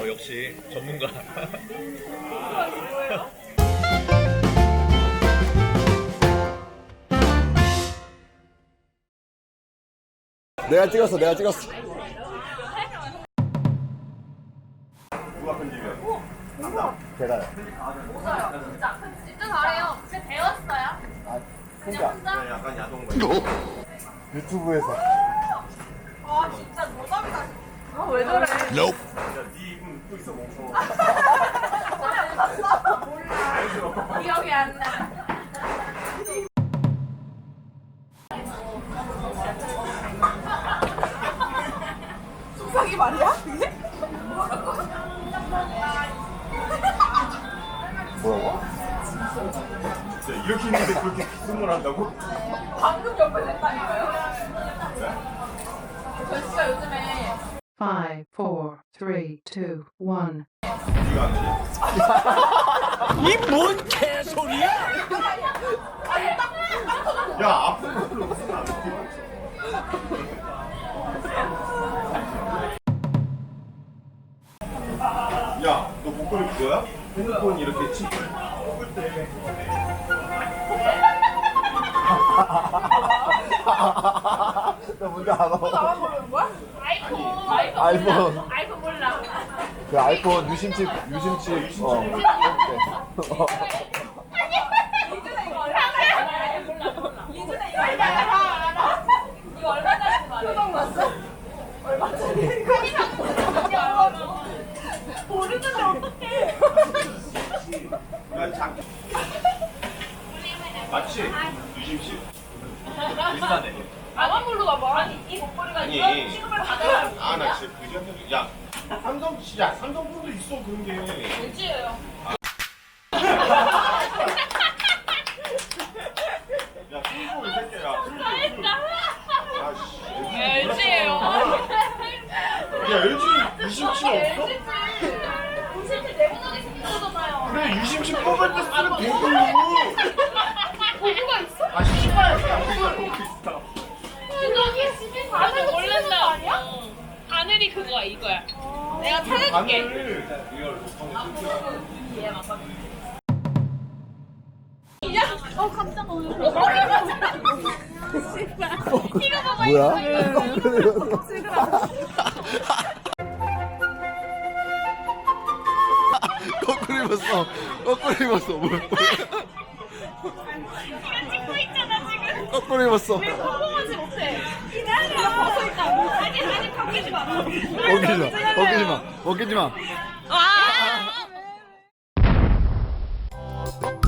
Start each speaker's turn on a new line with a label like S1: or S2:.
S1: 역시 전문가.
S2: 내가 찍었어. 제가요.
S3: 진짜 잘해요. 진짜 배웠어요.
S2: 혼자
S1: 약간 야동
S2: 유튜브에서.
S3: 아 진짜 노답이다. 왜 저래?
S1: 네 입은 또 있어 멍청.
S3: 몰라. 기억이 안 나. 속삭이 말이야? 그게?
S2: 뭐라고?
S1: 진짜 이렇게 있는데 그렇게 기승을 한다고?
S3: 방금 옆에 됐다니까요? 저 진짜 요즘에
S4: 5, 4, 3, 2, 1.
S1: 이거 안 되냐? 야 앞으로 무슨 안 돼? 야, 너 목걸이 그거야? 핸드폰 이렇게 치. 뽑을 때.
S2: 나 뭔지 알아.
S3: 나만 모르는 거야? 아이폰.
S2: 아이폰.
S3: 아이폰 몰라.
S2: 그 아이폰 유심칩.
S3: 이준아 이거 알아? 이준아 이거 알아? 이거 얼마짜리인지 말해. 표정 봤어? 얼마짜리? 모르는데 어떡해?
S1: 야, 장. 맞지? 유심씨. 비슷하네.
S3: 나만 모르나 봐. 아니 이 목걸이가
S1: 아니.
S3: 이런 취급을 받아야
S1: 아, 나 진짜 그지? 야, 삼성폰도 있어 그런 게.
S3: 돼지예요.
S1: 야, 승부 이 새끼야. 아, 씨.
S3: LG예요.
S1: 야, LG 유심칩 없어?
S3: LG지. 무실티 내보내기 생겼잖아요.
S1: 그래, 유심칩 뽑을 때 쓰는 도구.
S3: 도구가 있어?
S1: 아, 씨발. 있어.
S3: 여기 집에 다들 모른다 아니야?
S5: 하늘이 그거야 이거야. 내가 찾아줄게.
S1: 바늘.
S3: 깜짝 놀랐어.
S2: 뭐야? 거꾸로 입었어. 거꾸로 입었어. 뭐야?
S5: 찍고 있잖아 지금.
S2: 거꾸로 입었어.
S5: 성공하지 못해. 기다려. 벗어 있다. 아직 바뀌지 마.
S2: 벗기지 마. 벗기지 마.
S5: 와.